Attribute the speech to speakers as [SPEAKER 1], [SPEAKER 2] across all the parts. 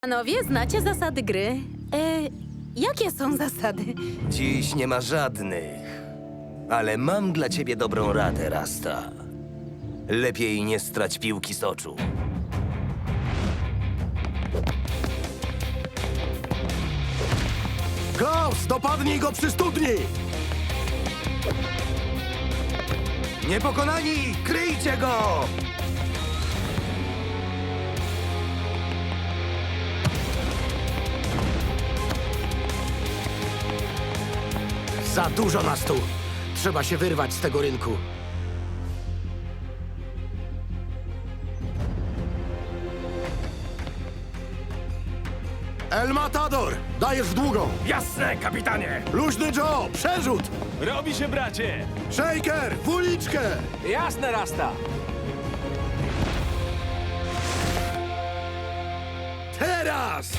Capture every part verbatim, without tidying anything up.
[SPEAKER 1] Panowie, znacie zasady gry? E, jakie są zasady?
[SPEAKER 2] Dziś nie ma żadnych. Ale mam dla ciebie dobrą radę, Rasta. Lepiej nie strać piłki z oczu.
[SPEAKER 3] Klaus, dopadnij go przy studni!
[SPEAKER 2] Niepokonani, kryjcie go!
[SPEAKER 3] Za dużo nas tu. Trzeba się wyrwać z tego rynku. El Matador, dajesz w długą.
[SPEAKER 4] Jasne, kapitanie!
[SPEAKER 3] Luźny Joe, przerzut.
[SPEAKER 4] Robi się, bracie!
[SPEAKER 3] Shaker, w uliczkę.
[SPEAKER 4] Jasne, Rasta!
[SPEAKER 3] Teraz!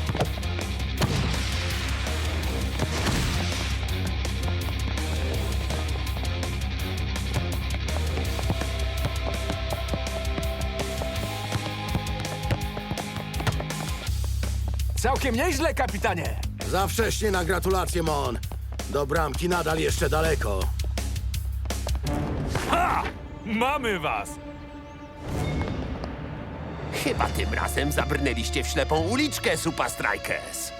[SPEAKER 4] Całkiem nieźle, kapitanie!
[SPEAKER 3] Za wcześnie na gratulacje, Mon. Do bramki nadal jeszcze daleko.
[SPEAKER 4] Ha! Mamy was!
[SPEAKER 5] Chyba tym razem zabrnęliście w ślepą uliczkę, Supa Strikers.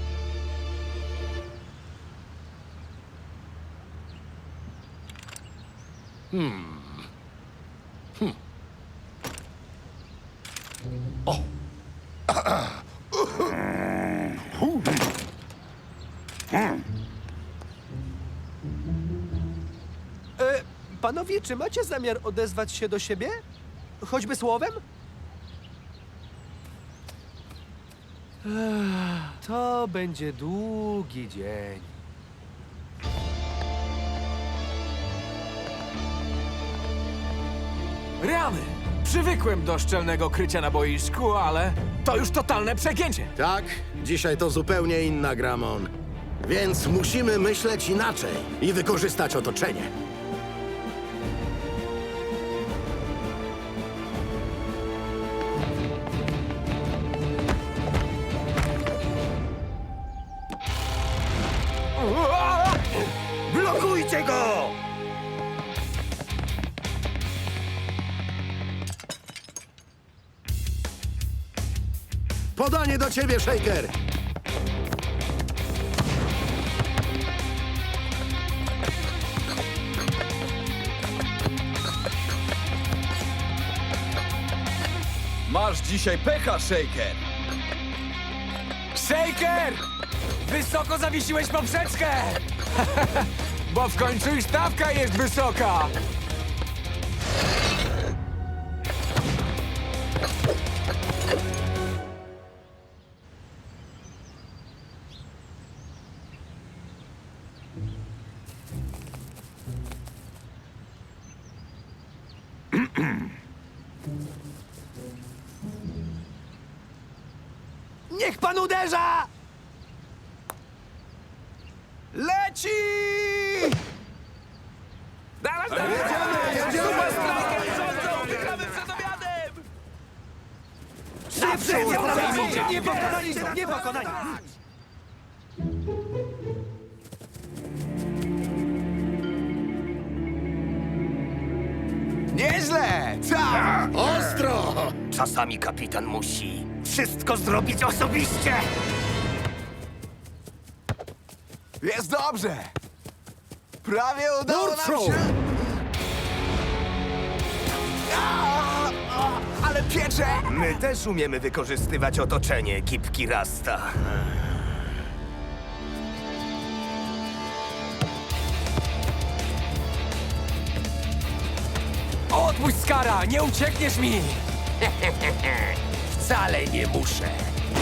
[SPEAKER 6] E, panowie, czy macie zamiar odezwać się do siebie? Choćby słowem? Ech, to będzie długi dzień.
[SPEAKER 4] Rany! Przywykłem do szczelnego krycia na boisku, ale to już totalne przegięcie!
[SPEAKER 3] Tak, dzisiaj to zupełnie inna gra, Mon. Więc musimy myśleć inaczej i wykorzystać otoczenie.
[SPEAKER 2] Blokujcie go!
[SPEAKER 3] Podanie do ciebie, Shaker.
[SPEAKER 7] Masz dzisiaj pecha, Shaker!
[SPEAKER 4] Shaker! Wysoko zawiesiłeś poprzeczkę! Bo w końcu i stawka jest wysoka!
[SPEAKER 6] Niech pan uderza!
[SPEAKER 7] Leci!
[SPEAKER 4] Dawać, dawać! Super Strikers rządzą! Wygramy przed obiadem!
[SPEAKER 6] Nie pokonani są, nie pokonani!
[SPEAKER 7] Nieźle! Tak!
[SPEAKER 3] Ostro!
[SPEAKER 2] Czasami kapitan musi wszystko zrobić osobiście!
[SPEAKER 7] Jest dobrze! Prawie udało nam
[SPEAKER 3] Nordstrom!
[SPEAKER 7] się... A, a, ale piecze!
[SPEAKER 2] My też umiemy wykorzystywać otoczenie, kipki Rasta.
[SPEAKER 4] Odpuść, Skara! Nie uciekniesz mi!
[SPEAKER 5] Wcale nie muszę.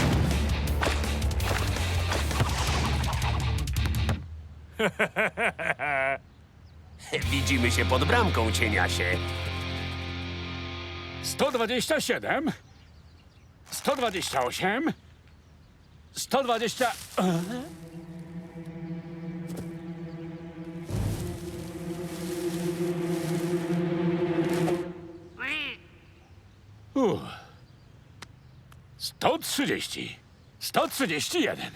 [SPEAKER 5] Widzimy się pod bramką, cieniasie.
[SPEAKER 8] sto dwadzieścia siedem, sto dwadzieścia osiem, sto dwadzieścia... Uff. sto trzydzieści. sto trzydzieści jeden.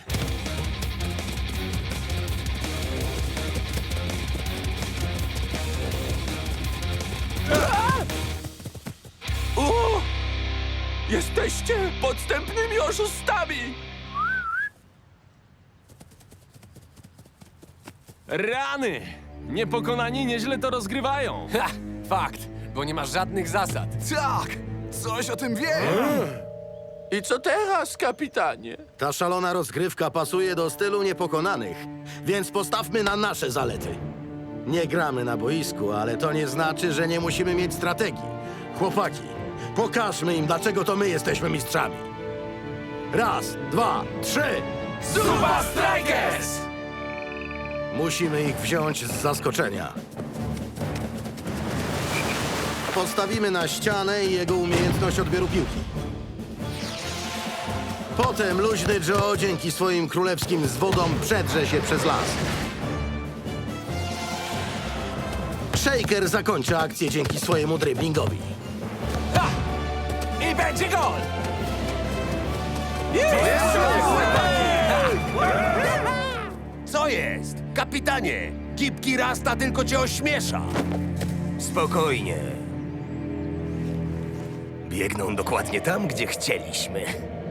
[SPEAKER 5] O! Jesteście podstępnymi oszustami!
[SPEAKER 4] Rany! Niepokonani nieźle to rozgrywają.
[SPEAKER 5] Ha! Fakt, bo nie ma żadnych zasad.
[SPEAKER 7] Tak! Coś o tym wiem!
[SPEAKER 5] I co teraz, kapitanie?
[SPEAKER 3] Ta szalona rozgrywka pasuje do stylu niepokonanych, więc postawmy na nasze zalety. Nie gramy na boisku, ale to nie znaczy, że nie musimy mieć strategii. Chłopaki, pokażmy im, dlaczego to my jesteśmy mistrzami. Raz, dwa, trzy!
[SPEAKER 5] Super Strikers!
[SPEAKER 3] Musimy ich wziąć z zaskoczenia. Postawimy na ścianę i jego umiejętność odbioru piłki. Potem luźny Joe dzięki swoim królewskim zwodom przedrze się przez las. Shaker zakończy akcję dzięki swojemu driblingowi.
[SPEAKER 4] Ha! I będzie gol!
[SPEAKER 5] Co jest? Kapitanie! Gipki Rasta tylko cię ośmiesza!
[SPEAKER 2] Spokojnie. Biegną dokładnie tam, gdzie chcieliśmy.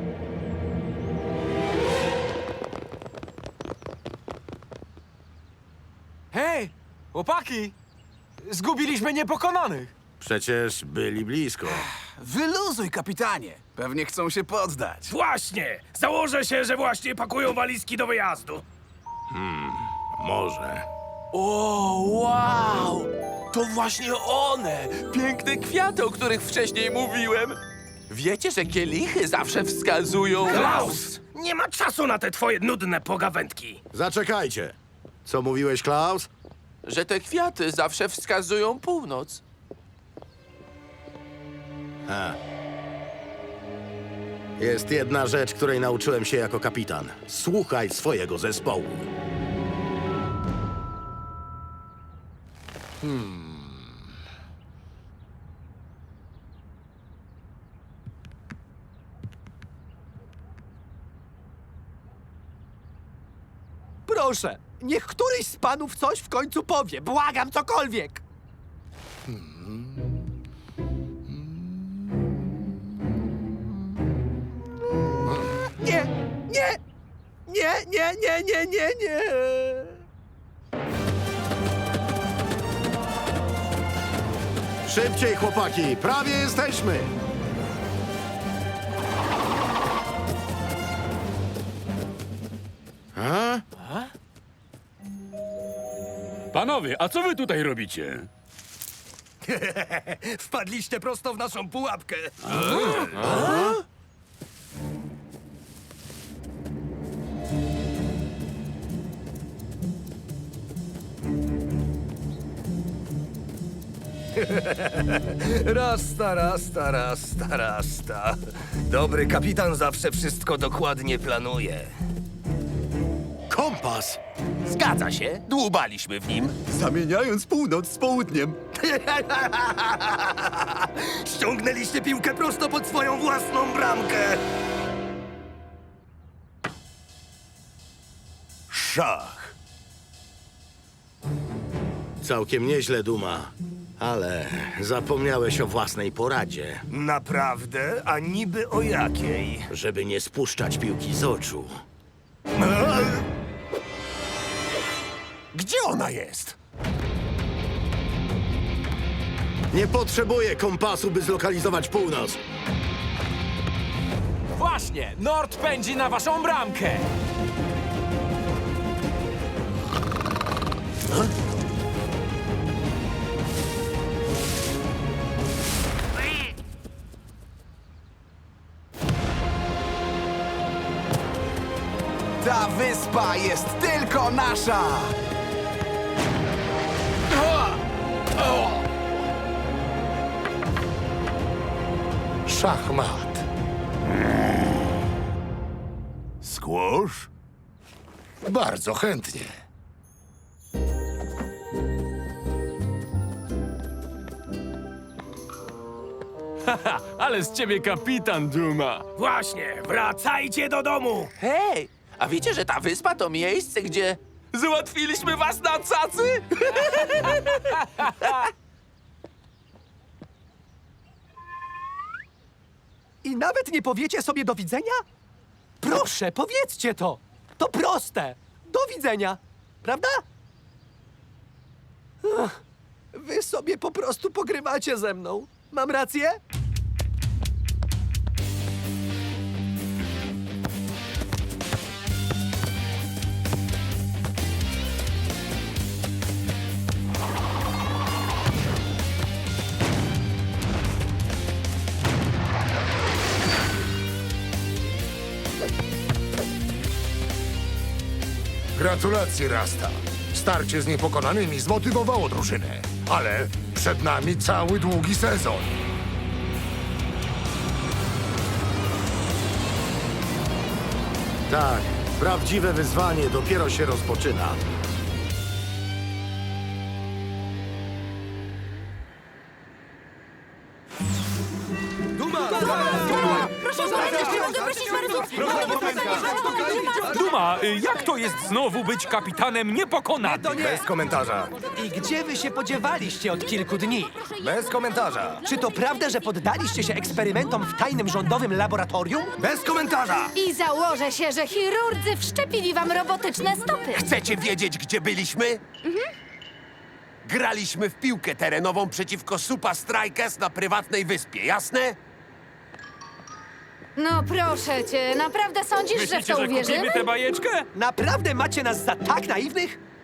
[SPEAKER 4] Hej! Chłopaki! Zgubiliśmy niepokonanych!
[SPEAKER 3] Przecież byli blisko.
[SPEAKER 7] Wyluzuj, kapitanie! Pewnie chcą się poddać.
[SPEAKER 8] Właśnie! Założę się, że właśnie pakują walizki do wyjazdu.
[SPEAKER 3] Może.
[SPEAKER 5] O, wow! To właśnie one! Piękne kwiaty, o których wcześniej mówiłem! Wiecie, że kielichy zawsze wskazują...
[SPEAKER 8] Klaus! Nie ma czasu na te twoje nudne pogawędki.
[SPEAKER 3] Zaczekajcie. Co mówiłeś, Klaus?
[SPEAKER 5] Że te kwiaty zawsze wskazują północ.
[SPEAKER 3] Ha. Jest jedna rzecz, której nauczyłem się jako kapitan. Słuchaj swojego zespołu.
[SPEAKER 6] Proszę, niech któryś z panów coś w końcu powie. Błagam, cokolwiek. Nie, nie, nie, nie, nie, nie, nie, nie.
[SPEAKER 3] Szybciej, chłopaki! Prawie jesteśmy! A?
[SPEAKER 8] Panowie, a co wy tutaj robicie?
[SPEAKER 2] Wpadliście prosto w naszą pułapkę. Rasta, rasta, rasta, rasta. Dobry kapitan zawsze wszystko dokładnie planuje.
[SPEAKER 3] Kompas!
[SPEAKER 5] Zgadza się, dłubaliśmy w nim.
[SPEAKER 7] Zamieniając północ z południem.
[SPEAKER 2] Ściągnęliście piłkę prosto pod swoją własną bramkę. Szach.
[SPEAKER 3] Całkiem nieźle, Duma. Ale zapomniałeś o własnej poradzie,
[SPEAKER 2] Naprawdę? A niby o jakiej?
[SPEAKER 3] żeby nie spuszczać piłki z oczu.
[SPEAKER 5] Gdzie ona jest?
[SPEAKER 3] Nie potrzebuję kompasu, by zlokalizować północ.
[SPEAKER 4] Właśnie! Nord pędzi na waszą bramkę!
[SPEAKER 7] Ta wyspa jest tylko nasza!
[SPEAKER 3] Szachmat.
[SPEAKER 9] Squash? Bardzo chętnie.
[SPEAKER 4] Haha, ale z ciebie kapitan, Duma.
[SPEAKER 8] Właśnie, wracajcie do domu!
[SPEAKER 5] Hej, a wiecie, że ta wyspa to miejsce, gdzie załatwiliśmy was na cacy?
[SPEAKER 6] I nawet nie powiecie sobie do widzenia? Proszę, powiedzcie to! To proste! Do widzenia! Prawda? Ach, wy sobie po prostu pogrywacie ze mną. Mam rację?
[SPEAKER 9] Gratulacje, Rasta. Starcie z niepokonanymi zmotywowało drużynę. Ale przed nami cały długi sezon.
[SPEAKER 3] Tak, prawdziwe wyzwanie dopiero się rozpoczyna.
[SPEAKER 4] Duma, jak to jest znowu być kapitanem niepokonanym?
[SPEAKER 2] Bez komentarza.
[SPEAKER 6] I gdzie wy się podziewaliście od kilku dni?
[SPEAKER 2] Bez komentarza.
[SPEAKER 6] Czy to prawda, że poddaliście się eksperymentom w tajnym rządowym laboratorium?
[SPEAKER 2] Bez komentarza.
[SPEAKER 10] I założę się, że chirurdzy wszczepili wam robotyczne stopy.
[SPEAKER 11] Chcecie wiedzieć, gdzie byliśmy? Graliśmy w piłkę terenową przeciwko Supa Strikers na prywatnej wyspie, jasne?
[SPEAKER 10] No proszę cię, naprawdę sądzisz, że w to uwierzymy?
[SPEAKER 4] tę bajeczkę?
[SPEAKER 6] Naprawdę macie nas za tak naiwnych?